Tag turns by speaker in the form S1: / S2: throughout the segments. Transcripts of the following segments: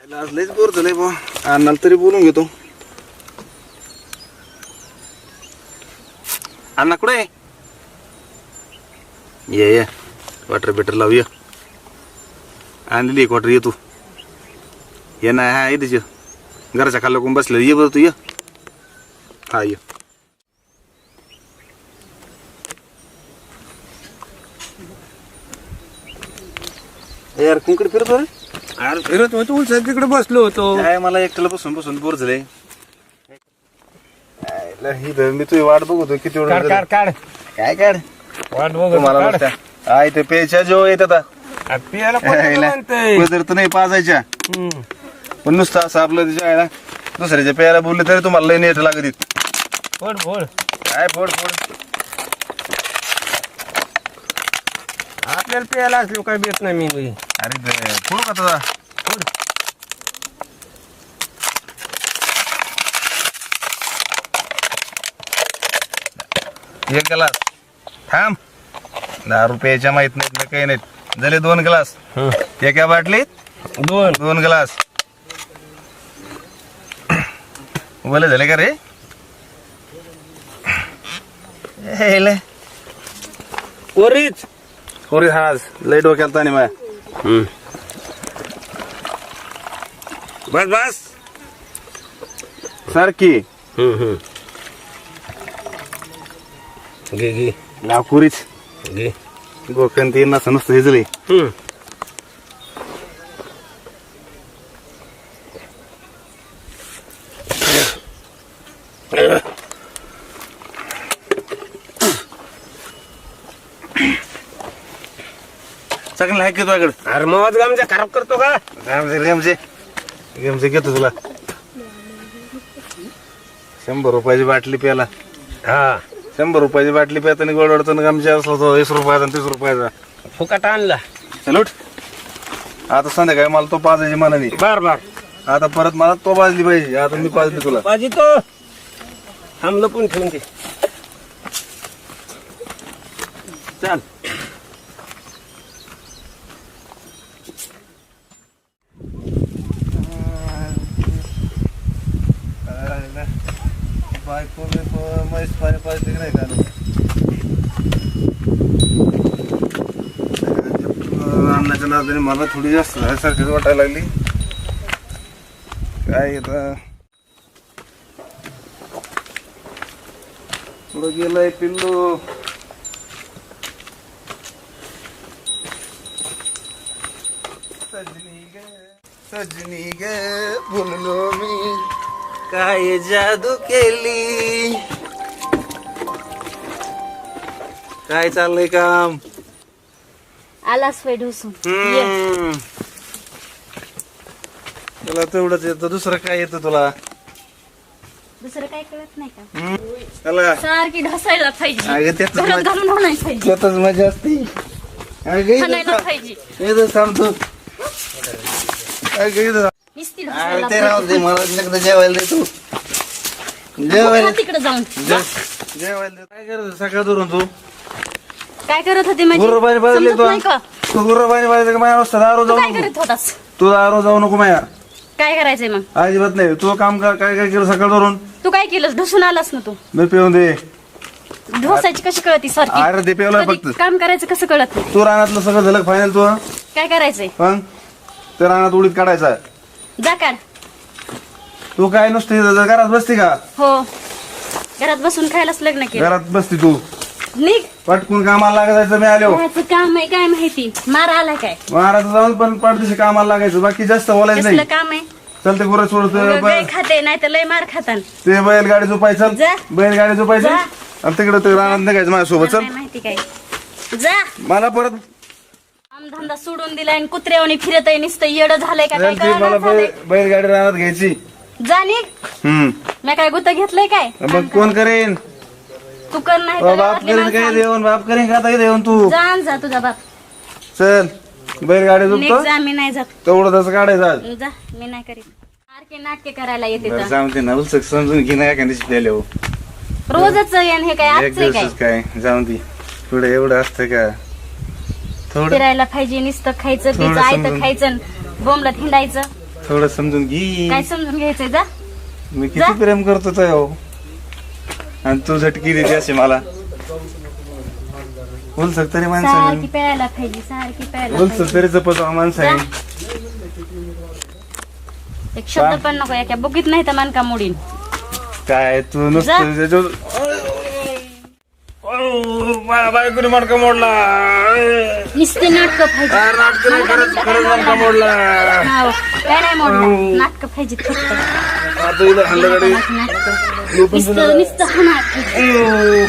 S1: आज लयच बोर झालंय बा. अण्णाला तरी बोलून घेतो. अण्णा कुठे आहे? ये क्वार्टर बेटर लावूया. आणलेली क्वार्टर ये तू. ये ना हा तिच्या घराच्या खाली कोण बसलं. ये बरं तू ये. हा ये. यार कुंकड फिरतो रे.
S2: अरे फिरत होतो उलट तिकडे बसलो होतो.
S1: काय मला एकट्याला बसून बसून बोर झालंय. मी तुझी वाट बघतो किती वेळ
S2: काढ काढ काढ
S1: काय काढ
S2: वाट
S1: तुम्हाला
S2: बघ
S1: नुसत्या. आय ते प्यायच्या जेव्हा येत आता
S2: पियाला म्हणतंय.
S1: पदर तर नाही पाजायच्या पण नुसतं असं आपलं तिच्या आहे ना दुसऱ्याच्या प्यायला बोलले तरी तुम्हाला लय नेट लागत.
S2: फोड फोड
S1: काय फोड फोड
S2: आपल्याला प्यायला असलो काय भेट नाही मी.
S1: अरे फोड का तुझा
S2: फोड
S1: एक ग्लास थांब. 10 रुपयाच्या माहित नाहीत काही नाहीत झाले 2 ग्लास. एका बाटलीत
S2: दोन
S1: 2 ग्लास बोले झाले का रे?
S2: कोरीच
S1: होरी हाज लय डोक्याला ताणी माया.
S2: बस बस
S1: सारखी
S2: घे घे
S1: लाकुरीच
S2: घे.
S1: गोखन ते नसं नुसतं हिजले. चांगलं आहे की तुझ्याकडे?
S2: अरे मग आमच्या खराब करतो का?
S1: गेमचे गेमचे घेतो तुला. 100 रुपयाची बाटली प्याला.
S2: हा
S1: 100 रुपयाची बाटली प्याताना गोड वाढतो आमच्या असला तो 20 रुपयाचा 30 रुपयाचा
S2: फुकट आणला.
S1: चल उठ. आता संध्याकाळी मला तो पाजायची मनाने.
S2: बर बर
S1: आता परत मला तो पाजली पाहिजे. आता मी पाजली तुला.
S2: पाहिजे तो थांबलं पण ठेवून दे.
S1: चल बायको म्हैस पाणी पाजली की नाही का? अन्नाच्या नादाने मला थोडी जास्त झाल्यासारखीच वाटायला लागली. काय येतं पुढं गेलंय पिल्लू. सजनी ग बोललो मी काय जादू केली. काय चाललंय काम?
S3: आलास वय ढोसून.
S1: तुला तेवढंच येतं. दुसरं काय येतं तुला?
S3: दुसरं काय कळत नाही का?
S1: चला
S3: सारखी ढसायला पाहिजे.
S1: अगं त्यातच
S3: घरात
S1: मजा-
S3: घालून आणायला पाहिजे.
S1: त्यातच मजा असते.
S3: खाणायला पाहिजे.
S1: इथं थांबतो.
S3: नुसती ढसायला
S1: ते राहू दे. मला एकदा जेवायला देतो. जेवायला
S3: तिकडे जाऊन
S1: जेवायला दे. काय करत सकाळ धरून तू?
S3: काय करत होते माझी?
S1: गुर्रबाई बाजली
S3: समजत नाही का?
S1: तू गुर्रबाई बाजली का? माझ्या रस्ता दारू
S3: तू
S1: जाऊ
S3: काय
S1: नको.
S3: करत होतास?
S1: तू दारू जाऊ नको माया.
S3: काय करायचंय मग?
S1: अजिबात नाही. तू काम कर. काय काय केलं सकाळ धरून?
S3: तू काय केलंस? ढसून आलास ना तू.
S1: मी पिऊन दे.
S3: ढोसायची कशी कळती सारखी?
S1: अरे ते पिवलं
S3: कधी
S1: फक्त.
S3: काम करायचं कसं कळत नाही?
S1: तू रानातलं सगळं झालं फायनल. तू
S3: काय करायचंय?
S1: मग ते रानात उडीत काढायचा.
S3: जा काढ.
S1: तू काय नुसती घरात बसती का?
S3: हो घरात बसून खायलाच लग्न केलं.
S1: घरात बसती तू.
S3: निघ.
S1: पटकून कामाला लागायचं. मी आलो.
S3: घराचं काम आहे काय माहिती? मारा आला काय?
S1: महाराज जाऊन पण पडदिशी कामाला लागायचं. बाकी जास्त बोलायचं
S3: कसलं
S1: नाही.
S3: काम आहे?
S1: चल ते गुरं सोडत.
S3: गाय खाते नाही तर लय मार खातान.
S1: ते बैलगाडी झोपायचं.
S3: जा.
S1: बैलगाडी झोपायचं
S3: जा.
S1: आणि तिकडे ते रानात निघायचं माझ्यासोबत. चल
S3: नाही माहिती काय. जा.
S1: मला परत
S3: धंदा सोडून दिलाय आणि कुत्र्यावणी फिरत आहे. नुसतं येडं झालंय का काय?
S1: चल ती मला
S3: कळलं झालंय?
S1: बैलगाडी रानात घ्यायची.
S3: जा निघ. मी काय गुत्त घेतलंय काय?
S1: मग कोण करेन?
S3: तू कर नाही तर
S1: बाप
S3: गावातली
S1: करेन काय?
S3: माणसं-
S1: देऊन बाप करेन का? आता देऊन तू
S3: जा आणि जा तुझा बाप.
S1: चल बैलगाडी
S3: निघ
S1: झोपतो.
S3: जा. मी नाही जात.
S1: तेवढं तसं काढायचं आज.
S3: जा मी नाही करीत. सारखे नाटके करायला येते तर.
S1: जाऊन ते नवल समजून घे. नाही एखाद्या दिवशी हो.
S3: रोजच येण हे काय
S1: एक
S3: आजचं काय?
S1: दिवसच काय जाऊन दे. पुढे एवढं असतं का? थोडं
S3: फिरायला पाहिजे. नुसतं खायचं
S1: थोडं
S3: पियचं आयतं
S1: समजून.
S3: खायचं बोंबला हिंडायचं.
S1: थोडं समजून घे.
S3: काय समजून घ्यायचंय जा.
S1: मी किती प्रेम करतो तो हो. आणि तू झटकी देते असे मला. बोल तरी
S3: सारखी
S1: माणसाने
S3: प्यायला पाहिजे सारखी प्यायला
S1: बोल
S3: पाहिजे.
S1: तरी जपतो माणसाने.
S3: एक शब्द पण नको एका बुकीत नाही तर मानका मोडीन.
S1: काय तू नुसतं माझ्या बायकोने मणका मोडला.
S3: नुसते नाटक पाहिजे.
S1: खरंच मणका मोडला.
S3: हाव, काय नाही मोडलं नाटक पाहिजे फक्त.
S1: आता इथं हल्ला गाडी.
S3: नुसतं नुसतं हाणार पाहिजे.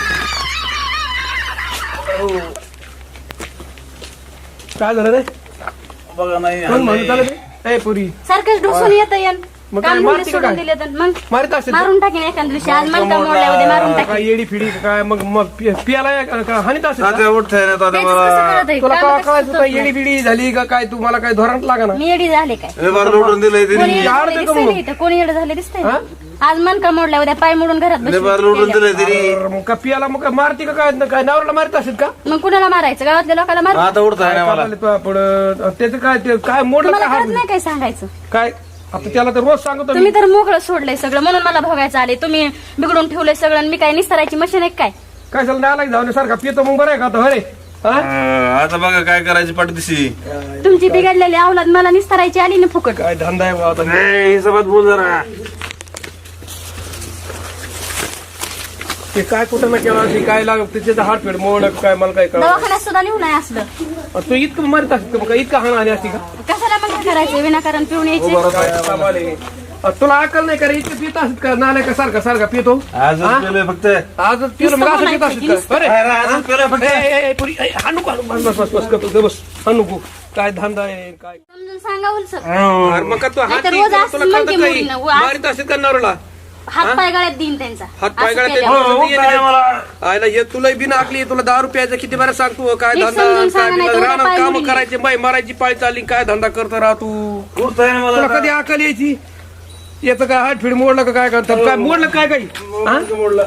S2: काय झालं रे
S1: बघा नाही
S2: कोण म्हणून चालत रे? ए पुरी
S3: सारखंच ढोसून येतं यान.
S2: मग
S3: काम
S2: काय
S3: धंदे
S2: मारती का
S3: सोडून
S2: काय?
S3: दिले तर मग
S2: मारित असेल तर?
S3: मारून टाकेन एखाद्या दिवशी. आज मनका मोडल्या उद्या मारून
S2: काय
S3: टाकेन.
S2: येडी फिडी का काय मग मग पियाला हानीत असेल का?
S1: तात्या उठताय ना तात्या
S3: तेच
S1: मला.
S3: कसं कळत आहे?
S2: तुला
S3: काम
S2: काय
S3: कसं
S2: कळायचं
S3: सुचत
S2: काय
S3: नाही.
S2: येडी बिडी झाली का काय तू मला काय धोरण लागा ना
S3: मी येडी झाले काय?
S1: हे बार लुटून दिलंय
S3: कोणी
S1: तिने.
S3: येडं
S2: यार
S3: झाले
S2: ते
S3: दिसतंय
S2: कमवू.
S3: नाही इथं. कोणी येडं झाले दिसतंय
S2: हा?
S3: आज मनका मोडल्या उद्या पाय मोडून घरात
S1: हे बार लुटून
S3: बसले.
S1: दिलंय तिने.
S2: अरे मग का पियाला मग काय मारती का काय काय नवऱ्याला मारित असेल का
S3: मग कुणाला मारायचं? गावातल्या लोकांना मार.
S1: आता उठताय ना मला.
S2: पुढं त्याचं काय ते काय मोडलं
S3: तुम्हाला
S2: काय
S3: कळत
S2: हात?
S3: नाही काय सांगायचं?
S2: काय आता त्याला तर रोज सांगतो मी.
S3: तुम्ही तर मोकळं सोडलंय सगळं म्हणून मला भोगायचं आले. तुम्ही बिघडून ठेवलंय सगळं आणि मी काय निस्तरायची मशीन आहे काय?
S2: काय झालं नाला जाऊन सारखा पितो मग बरं आहे का आता अरे
S1: आता बघा काय करायची पाठदिशी.
S3: तुमची बिघडलेली अवलाद मला निस्तरायची आली ना फुकट.
S2: काय धंदा आहे बा आता
S1: हिशोबात बोल जरा.
S2: ते काय कुठं ना केलं असेल, काय लाग त्याचं हात फेड मोड काय मला काय कळलं
S3: दवाखान्यात सुद्धा नेऊ नाही असलं.
S2: तू इतकं मारित असत का इतकं हाण आली असती का
S3: कशाला मग हे करायचं? विनाकारण पिऊन यायचे.
S2: काय कमाल आहे. तुला अकल नाही का रे इतकं पित असत का नाल्या का सारखा सारखा पितो
S1: आज
S2: हा?
S1: पेलोय फक्त.
S2: आजच पिलो मग असं पित असत का अरे
S1: अरे, आजच पेलोय फक्त.
S2: पुरी हा नको बस बस बस बस गप बस हा नको काय धंदा आहे काय
S3: समजून सांगा उलसं.
S2: अरे मग का तू हात
S3: नाहीतर रोज असं
S2: तुला
S3: म्हणते
S2: कळतं काही
S3: मुलींना, आज-
S2: मारित असेल का नवऱ्याला
S3: हात पाय गळ्यात देईन त्यांचा.
S2: हात पाय
S3: असं
S2: गळ्यात
S3: केल्यावर.
S2: देईन.
S1: उठताय मला.
S2: आयला हे तुला बिन आकली तुला 10 रुपयाचं किती बरं सांगतो काय
S3: नीट
S2: धंदा
S3: समजून सांगा,
S2: काय
S3: नाही तर उद्या
S2: राहणार
S3: पाय
S2: काम
S3: मोडीन.
S2: करायचे बाई मारायची पाळी चालली काय धंदा करतो राह तू
S1: उठताय ना
S2: तुला
S1: मला.
S2: कधी अकल यायची याचं काय हात फिड मोडलं का काय करतात काय मोडलं काय काही
S1: मोडलं.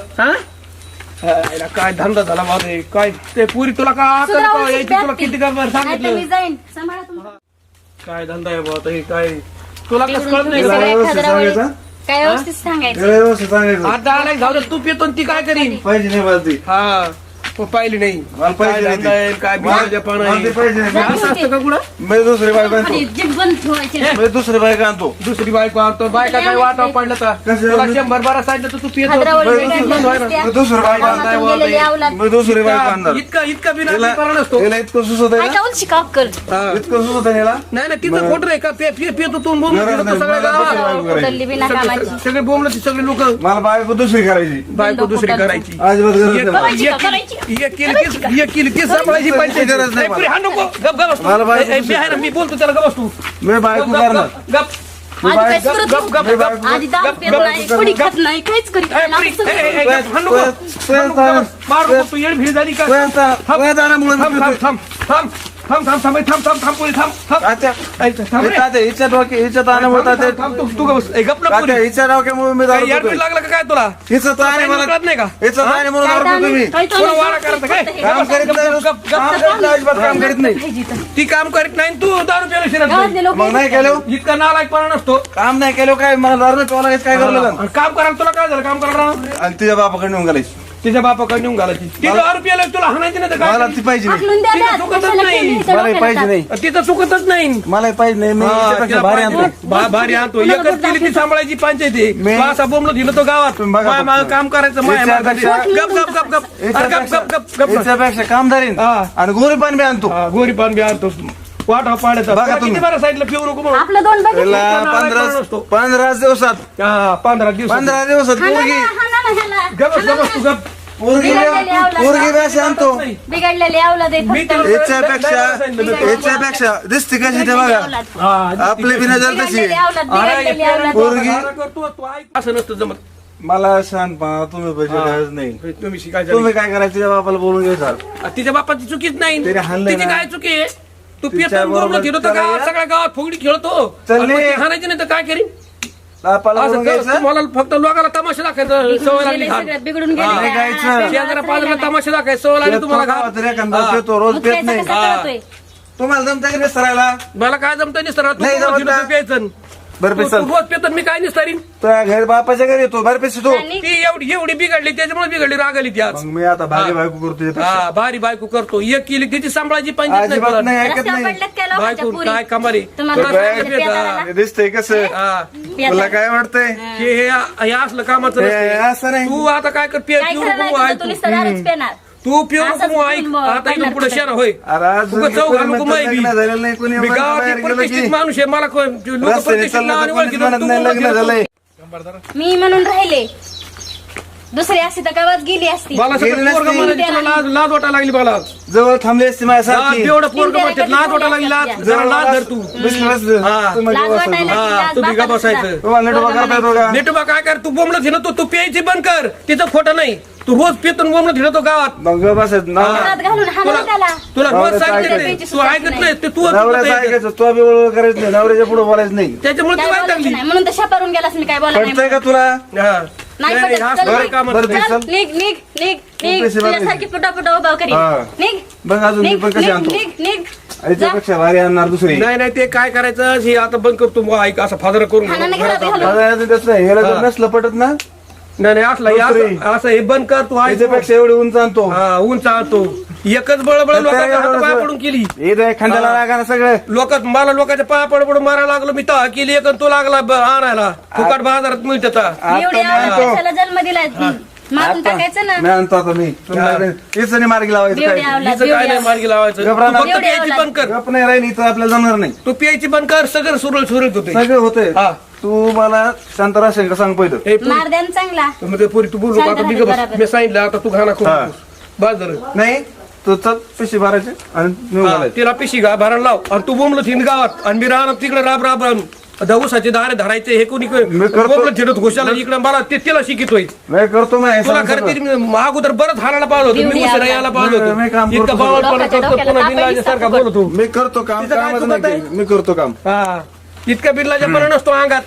S2: हा काय धंदा झाला माझे काय ते पुरी तुला काय अकल
S3: सुधरा
S2: का
S3: उलशी
S2: यायची तुला
S3: बॅग
S2: किती
S3: ती.
S2: काय
S3: नाहीतर मी
S2: सांगितलं
S3: जाईन. सांभाळा तुम्ही.
S2: काय धंदा आहे बाबा हे काय तुला कसं कळत नाही
S3: बिघडून
S2: का?
S3: ठेवलंय
S1: व्यवस्थित
S3: एखाद्या वेळेस.
S1: सांगायचं?
S3: काय व्यवस्थित सांगायचं?
S1: त्याला व्यवस्थित सांगायचं.
S2: आता आलाय जाऊ दे, तू पितो आणि ती काय करीन
S1: पाहिजे नाही मला ती.
S2: हा तू पाहिली नाही
S1: मला पाहिजे
S2: काय
S1: नाही
S2: धंदा आहे, काय
S1: ती. मला
S2: बिहारच्या पानं
S1: मला
S2: आहे.
S1: ती पाहिजे नाही.
S2: असं असतं का कुठं
S1: मी दुसरी बायको आणतो.
S3: खाली जीभ बंद ठेवायची.
S1: मी दुसरी बायको आणतो.
S2: दुसरी बायको आणतो बायका काय वाटावं पडलं तर
S1: कसं?
S2: तुला 100 सांगितलं तर तू पितो
S3: हादरावळी
S1: बरं,
S3: बिघडलेली
S2: बंद व्हायला.
S3: दिसते.
S1: मी दुसरी बायको
S3: कामातून
S1: आणतो.
S3: गेलेली अवलाद.
S1: मी दुसरी बायको आणणार.
S2: इतका बिना
S1: याला
S2: करा नसतो
S1: याला इतकं सुचत आहे
S3: काय
S1: ना.
S3: का उलशी का अक्कल?
S2: हा.
S1: इतकं सुचत आहे याला.
S2: नाही ना तिथं खोट रे का पितो तू बोंबलं
S1: नाही,
S2: फिरतो
S1: नाही,
S2: सगळ्या
S1: मला दुसरी
S2: गावात.
S1: बायको करायची.
S3: उतरली बिना कामाची.
S2: सगळे बोंबलं सगळे लोक
S1: मला बायको दुसरी करायची.
S2: बायको दुसरी करायची
S1: अजिबात गरज नाही मला.
S3: करायची का? करायची.
S2: एक केली ती सांभाळायची पाहिजे
S1: गरज नाही मला.
S2: हा नको गप गप बस तू.
S1: मला बायको
S2: ए, मी आहे ना मी बोलतो त्याला गप बस तू
S1: मी बायको
S2: गप,
S1: करणार.
S2: गप, गप.
S3: आधी काय
S2: गप,
S3: सुरत
S2: गप, गप,
S3: नाही.
S2: गप,
S3: आधी दारू
S2: गप,
S3: पित
S2: गप,
S3: नाही,
S2: गप,
S3: पुडी
S2: गप.
S3: खात नाही, काहीच करीत
S2: ए,
S3: नाही.
S2: पुरी,
S3: असं
S2: ए, ए, ए,
S1: तू-
S2: गप, हा नको.
S1: तू-
S2: हा नको, गप. मार नको, तू येड भीड झाली का
S1: तू आता- तू आता आल्यामुळे मी
S2: थांब थांब
S1: पितोय.
S2: थांब थांब थांब थांब थांब थांब थांब थांब पुरी थांब थांब
S1: तात्या,
S2: ऐ, थांब रे.
S1: तात्या, हिच्या डोक्या- हिच्या ताणामुळे तात्या-
S2: थांब, थांब, तू गप बस. ए, गप ना
S1: तात्या,
S2: पुरी.
S1: हिच्या डोक्यामुळे मी
S2: काय
S1: दारू
S2: याड
S1: पितोय.
S2: बीड लागलं का काय तुला
S1: हिचं ताण आहे
S2: काही
S1: मला.
S2: कळत नाही का
S1: हिचं ताण आहे म्हणून
S3: काय
S1: दारू पितो मी.
S3: काय तो
S2: कोणा
S3: नाही
S2: वाडा करायचं काय?
S1: काम करीत नाही.
S2: गप, गप, गप,
S1: काम करीत नाही, अजिबात काम करीत नाही.
S3: पाहिजे तर.
S2: ती काम करीत नाही तू दारू प्यायला शिरत
S3: गावातले
S2: नाही.
S3: लोक
S1: मग नाही केलं
S2: इतका नालायकपणा नसतो
S1: काम नाही केलं काय मला दारू नाही प्यावं लागेल काय करावं लागेल
S2: आणि काम करायला तुला काय झालं काम करायला
S1: आणि तुझ्या बापाकडे नेऊन घालायची
S2: तिच्या बापाकडे नेऊन घालायची ती दारू प्यायला तुला हाणायची नाही तर काय
S1: मला ती पाहिजे नाही.
S3: हाकलून द्या
S2: तिला
S3: द्या.
S2: चुकतच
S3: कशाला
S2: नाही.
S3: केली इथं
S1: मला
S3: डोक्याला
S1: पाहिजे
S3: ताप?
S1: नाही.
S2: तिथं चुकतच नाही
S1: मला पाहिजे नाही मी
S2: हा,
S1: हिच्यापेक्षा
S2: तिला
S1: भारी
S2: पाहिजे.
S1: आणतो
S2: भारी आणतो एकच केली ती सांभाळायची पंचायती
S1: मी-
S2: असा बोंबलो दिलं तो गावात
S1: तुम्ही बघा
S2: माय मागं
S1: फक्त.
S2: काम करायचं माय
S1: हिच्यापेक्षा-
S2: गप गप गप गप अरे गप गप गप गप
S1: हिच्यापेक्षा कामदारीन
S2: हा.
S1: आणि गोरी पाणी बी आणतो
S2: हा, गोरी पान बी आणतो वाटा पाण्याचा
S1: बघा
S2: तुला
S1: तुम्ही.
S2: किती बरं साईडला पिऊ नको म्हणून
S3: आपलं दोन बघितलं.
S1: त्याला
S2: नालायक
S1: 15
S2: माणूस तो.
S1: 15 दिवसात
S2: हा 15 दिवस
S1: 15 दिवसात
S3: हाणा
S1: पोरगी
S3: ना, हाणा ना ह्याला.
S2: गप गप तू गप
S1: पोरगी बी अशी आणतो
S3: बिघडलेली अवलाद आहे
S2: मी
S3: फक्त.
S2: तुला-
S1: याच्यापेक्षा दिसते कशी ते बघा
S3: अवलाद.
S2: हा,
S1: आपली बी नजर तशी
S3: बिघडलेली
S1: आहे.
S3: अवलाद, बिघडलेली अवलाद.
S1: पोरगी-
S2: करतो तू ऐक असं नसतं जमत
S1: मला शांतपणा तुम्ही पैसे गरज नाही
S2: तुम्ही शिकायचं
S1: तुम्ही काय करायचं तुझ्या बापाला बोलून घ्यायचा
S2: तिच्या बापाची चुकीच नाही
S1: तिने हाणलंय
S2: तिची
S1: ना.
S2: काय चुकी आहे तू
S1: तिच्या
S2: पियतो
S1: बरोबर
S2: बोंबलं खेळतो
S1: चला
S2: गावात
S1: या.
S2: सगळ्या गावात फुगडी खेळतो
S1: चल
S2: आणि मग
S1: ये.
S2: ती हाणायची नाही तर काय करीन
S1: बापाला बोलून
S2: असं
S1: घ्यायचं
S2: तुम्हाला फक्त लोकांना तमाशा दाखवायचं
S3: बिघडून
S2: सवय लागली
S3: गेले
S2: घाण.
S3: सगळ्यात, बिघडून गेले.
S1: नाही
S3: हा,
S1: गायचं.
S3: त्याला
S2: शेजाऱ्या
S3: त्रास
S2: पाजाऱ्याला
S3: राहिला
S2: तमाशा दाखवायचं सवय लागली तुम्हाला घाण.
S1: गावात एखादा
S2: हा.
S1: पितो रोज
S3: मग
S1: पेत
S3: प्यायचा
S1: नाही
S3: कसा कळतोय?
S1: तुम्हाला जमता की नाही सरायला
S2: मला काय जमतं नाही सर तू
S1: नाही
S2: बोंबलं
S1: जमत
S2: फिरतो
S1: ना.
S2: प्यायचं
S1: बरं, चल.
S2: रोज पेतो मी काय निस्तारीन
S1: तुझ्या घर बापाच्या घरी येतो बरं पैसे तू
S3: आणि
S2: ती एवढी बिघडली त्याच्यामुळे बिघडली रागाली ती आज
S1: मग मी आता भारी बायको करतो तुझ्यापेक्षा.
S2: हा भारी बायको करतो एक केली तिची सांभाळाची पंचायत नाही
S1: अजिबात
S2: पडत.
S1: नाही ऐकत
S3: रस्त्यावर
S1: नाही
S3: पडल्यात काय लोकांच्या
S2: बायको
S3: पुरी?
S2: काय कमारी
S3: तुम्हाला
S1: तो काय-
S3: रस्त्यावर पेता आला?
S1: हे दिसतंय कसं
S2: हा
S1: तुला काय वाटतंय
S2: हे असलं कामाचं
S1: हे
S2: नसतंय.
S1: असं नाही
S2: तू आता काय कर
S3: काय खरं नाही तुझं, तू नुसतं दारूच पेणार.
S2: तू पिऊ
S3: असंच
S2: नको ऐक
S3: बोलून
S2: आता इथून
S3: पडणार
S2: पुढे
S3: कुठं.
S2: शेण होय
S1: अरे आज
S2: उगाच चौघ घालू नको माय बी.
S1: लग्न झालेलं नाही कोणी
S2: मी
S1: बाहेर
S2: गावात
S1: गेलं
S2: प्रतिष्ठित
S1: की
S2: माणूस आहे मला लोक
S1: रस्त्याने
S2: प्रतिष्ठित
S1: चाललं
S2: नावाने
S1: तर कोणीच
S2: ओळखीत.
S1: म्हणत
S2: तू
S1: नाही
S2: बोलत
S1: लग्न
S2: गेला.
S1: झालंय
S3: मी म्हणून राहिले दुसरी असती तर गावात गेली असती.
S2: मला सगळं
S1: गेली
S2: पोरगं
S1: नसती.
S2: म्हणायची, तुला लाज वाटायला लागली मला
S1: जवळ थांबली असती माझ्यासारखी
S2: एवढं पोरगं म्हणतात लाज वाटायला लागली लाज जरा लाज धर तू
S3: लाज वाटायला
S2: हा,
S3: लाज
S2: तुम्ही
S3: बापाला
S2: का बसायचं?
S3: सुद्धा.
S1: तुम्हाला नेट उभा करता येतो का
S2: नेटोबा काय कर तू बोंबलं थिन तू प्यायची बंद कर तिचं खोटं नाही तू रोज पितून बोंबलं थिनतो गावात
S1: मग बसत
S3: हातात घालून हाणलं त्याला.
S2: तुला रोज
S1: नवऱ्याचं
S2: सांगितलं
S1: ऐकायचं.
S2: तू ऐकत नाही ते तू
S1: नवऱ्याचं ऐकायचं तो बी बरोबर करायचं नाही नवऱ्याच्या पुढे बोलायचं नाही
S2: त्याच्यामुळे
S3: काय
S2: तू काय
S3: बोलायचं
S2: लागली
S3: नाही म्हणून तर शापारून गेलास मी काय बोला नाही
S1: पडतंय का
S3: म्हणून.
S1: तुला
S2: हा.
S3: नाही
S2: नाही,
S3: पटत.
S2: हा,
S3: चल,
S2: बरं
S3: निघ.
S2: कामाचं
S1: बरं,
S2: नाही.
S3: चल,
S1: चल.
S3: निघ निघ निघ निघ
S1: पैसे भरले.
S3: तुझ्यासारखी फुटा उभा करी
S2: हा.
S3: निघ
S1: बघ अजून मी
S3: निघ
S1: पण कशी
S3: निघ
S1: आणतो
S3: निघ निघ
S1: याच्यापेक्षा भारी आणणार दुसरी
S2: नाही नाही ते काय करायचं हे आता बंद करतो मग ऐक असं फादर करून
S3: हाणाने
S2: घरात
S3: घरात
S2: आपल्या.
S3: घालून.
S1: माझं याचं तसं नाही ह्याला जर
S2: हा.
S1: नसलं पटत ना
S2: नाही नाही असलं हे
S1: दुसरी.
S2: असं हे बंद कर तू ऐक
S1: याच्यापेक्षा एवढी उंच आणतो
S2: हा उंच आणतो एकच बळबळ लोकांच्या हात पाय पडून केली
S1: हे खांद्याला लागा ना सगळं
S2: लोक मला लोकांच्या पाया पडून मारायला लागलो मी तहा केली एक आणि तो लागला आणायला फुकट बाजारात मिळत
S3: एवढी
S1: आता मी
S3: आवडत
S1: आणतो
S3: कशाला जन्म दिलाय मारून टाकायचं ना
S1: मी आणतो आता मी हेच नाही मार्गी लावायचं
S3: एवढी
S1: काय
S3: आवडत
S2: हिचं काय नाही मार्गी लावायचं
S1: घबरा
S2: तू
S1: ना.
S2: फक्त
S3: एवढी
S2: प्यायची
S3: आवडत.
S2: बंद कर
S1: गप नाही राहील इथं आपल्याला जमणार नाही
S2: तू प्यायची बंद कर सगळं सुरळीत होते
S1: सगळं होतंय
S2: हा.
S1: तू मला शांत राहशील का सांग पहिलं
S2: हे पुरी-
S3: मार द्या ना चांगला
S2: म्हणजे पुरी तू बोलू
S3: शांत
S2: आता
S3: राहा,
S2: बिग बस
S3: बरोबर.
S2: मी सांगितलं आता तू घाणा करू
S1: हा.
S2: नकोस. बस झालं
S1: नाही तू चल पिशी भरायचे आणि नेऊन
S2: हा,
S1: घालायचे.
S2: तिला पिशी भरायला लाव आणि तू बोंबलं थिन गावात आणि मी राहणार तिकडे राब राब राब दवसाचे दारे धरायचे हे कोणी
S1: मी करतो.
S2: बोंबलं थिनत घोषाला इकडे मला ते तिला शिकितोय
S1: नाही करतो मी हे
S2: तुला
S1: सांग
S2: खरं
S1: सगळं.
S2: तरी अगोदर बरंच हाणायला पाहिजे होतं मी
S3: एवढी
S2: उशिरा
S3: आवड.
S2: यायला पाहिजे
S1: मी काम
S2: होतं
S1: करतो
S2: इतका
S1: सगळं.
S2: बावळपणा
S3: लोकांच्या
S2: करतो
S3: डोक्याला
S2: पुन्हा
S3: ताप
S2: बिनलाजासारखा
S3: येईल,
S2: बोलतो
S1: मी करतो काम
S2: तिथं काय
S1: कामच
S2: चुकत
S1: नाही
S2: आहे?
S1: केलं. मी करतो काम
S2: हा इतका बिनलाजापणा नसतो अंगात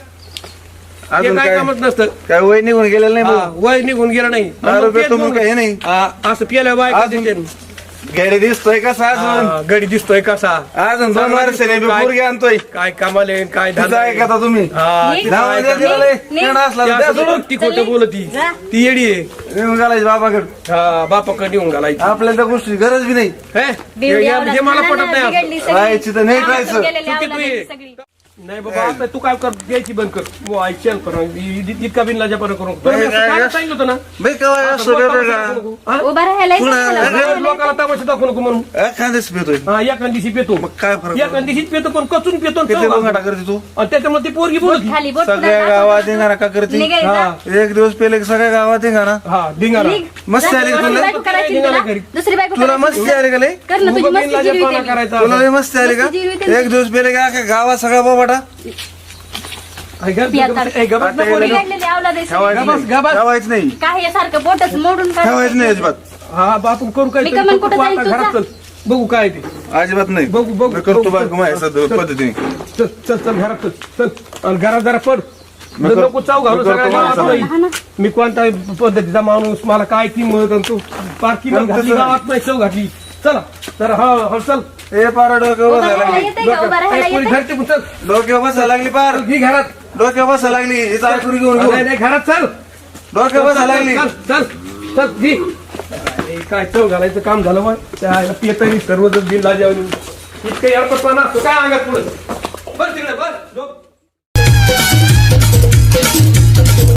S2: हे
S1: अजून
S2: काय
S1: काय
S2: कामच नसतं
S1: काय वय निघून गेलेलं नाही
S2: हा,
S1: भाऊ.
S2: वय निघून गेलं नाही
S1: दारू पितो मग काय हे नाही
S2: हा, असं पियाला बाय
S1: अजून घरी दिसतोय कसा अजून
S2: गडी दिसतोय कसा
S1: अजून 2 वर्षाने मी
S2: काय-
S1: पोरगी आणतोय
S2: काय कामाले काय
S1: तिचं
S2: धंदा आहे.
S1: ऐकता तुम्ही
S2: हा,
S3: निघ.
S2: तिचं
S1: नाव
S2: ऐका.
S1: द्या तिला लय.
S3: निघ.
S1: केवढा असला
S2: ती
S1: तर द्या
S2: असं
S1: सोडून.
S2: ती खोटं बोलती
S3: जा.
S2: ती येडी आहे
S1: नेऊन घालायची बाबाकडे
S2: हा बापाकडे येऊन घालायची
S1: आपल्याला त्या गोष्टी गरज बी नाही
S2: हे?
S3: बिवडी आवडत.
S2: हे मला पटत
S3: हाणानं
S2: नाही
S3: बिघडली सगळी.
S1: राहायची तर नाही
S3: कामातून
S1: राहायचं.
S3: गेलेली
S2: चुकी
S3: आवडत
S2: तू ये.
S3: सगळी.
S2: नाही बाबा आता तू काय कर द्यायची बंद कर मग ऐकशील पण इतका बिनलाजापणा करू नको. तुला
S1: नाही,
S2: मी असं
S1: काय-
S2: काय सांगितलं होतं ना
S1: बाई केव्हा असं
S2: लोकाला
S1: करतो का?
S2: दाखवू नको. हा?
S3: उभा राहायला
S1: पुन्हा
S3: येतं मला, उभा राहायला
S2: लोकाला तमाशा दाखवू नको म्हणून
S1: एखाद्याच पितोय
S2: हा एका दिवशी पेतो
S1: मग काय फरक
S2: एका दिवशीच पेतो पण कचून पेतो आणि
S1: किती
S2: चव
S1: गोंगाटा
S2: लागतो.
S1: करते तू
S2: आणि त्याच्यामुळे ती पोरगी
S3: बोट
S2: बोलत
S3: खाली बोट
S1: सगळ्या
S3: पुन्हा
S1: गावात
S3: दाखव.
S1: येणार का करते
S3: निघायचं.
S2: हा
S1: एक दिवस पेले की सगळ्या गावात येणार ना
S2: हा धिंगाणा
S3: निघ.
S1: मस्त
S3: जा,
S1: आली
S3: दुसरी
S1: तुला?
S3: बायको करायची ना
S2: निघाला
S3: तुला?
S2: घरी.
S3: दुसरी बायको
S1: तुला
S3: करायची
S1: मस्ती आली का लय
S3: कर ना तुझी
S2: उगा
S3: मस्ती
S2: बिनलाजापणा
S3: जिरवी
S2: करायचा
S1: तुला लय मस्ती आली का
S3: मस्ती जिरवी
S1: एक दिवस पेले का अख्ख्या गावात सगळा बाबाटा
S3: बिघडलेली आवलाद आहे सगळी.
S1: ठेवायचं नाही
S3: काय हे सारखं बोटच मोडून काढ.
S1: ठेवायचं नाही अजिबात
S2: हा बापू करू काय
S3: मी का मग कुठं जाईल
S2: आता
S3: तुझा?
S2: घरात चल बघू काय ते
S1: अजिबात नाही
S2: बघू, बघू,
S1: मी करतो
S2: बघू.
S1: बायको माझ्या पद्धतीने
S2: चल चल चल घरात चल चल आणि घरात जरा पड
S1: मी कर-
S2: नको चाव घालू
S1: मी करतो
S2: सगळ्या गावात
S1: माझं.
S2: नाही.
S3: हा ना.
S2: मी कोणता पद्धतीचा माणूस मला काय किंमत आणि तू पार्किंग
S1: मग
S2: घातली
S1: तसं-
S2: गावात नाही चव घातली चला जरा हा चल
S1: हे पार डोक्यावर
S3: उभा
S1: बसायला
S3: राहायला
S1: लागली
S3: येतंय का? उभा राहायला
S2: पोरी
S3: येतंय?
S2: घरचे पण चल
S1: डोक्यावर बसायला लागली पार
S2: घी घरात
S1: डोक्यावर बसायला लागली हिचा आयकुरी घेऊन
S2: नाही
S1: घेऊन
S2: नाही, घरात चल
S1: डोक्यावर बसायला लागली
S2: चल चल चल घी अरे, काय चव घालायचं काम झालं मग त्या पेतरी सर्वजण बिल लाजावून इतकं यारपटपणा असतो काय अंगात पुढे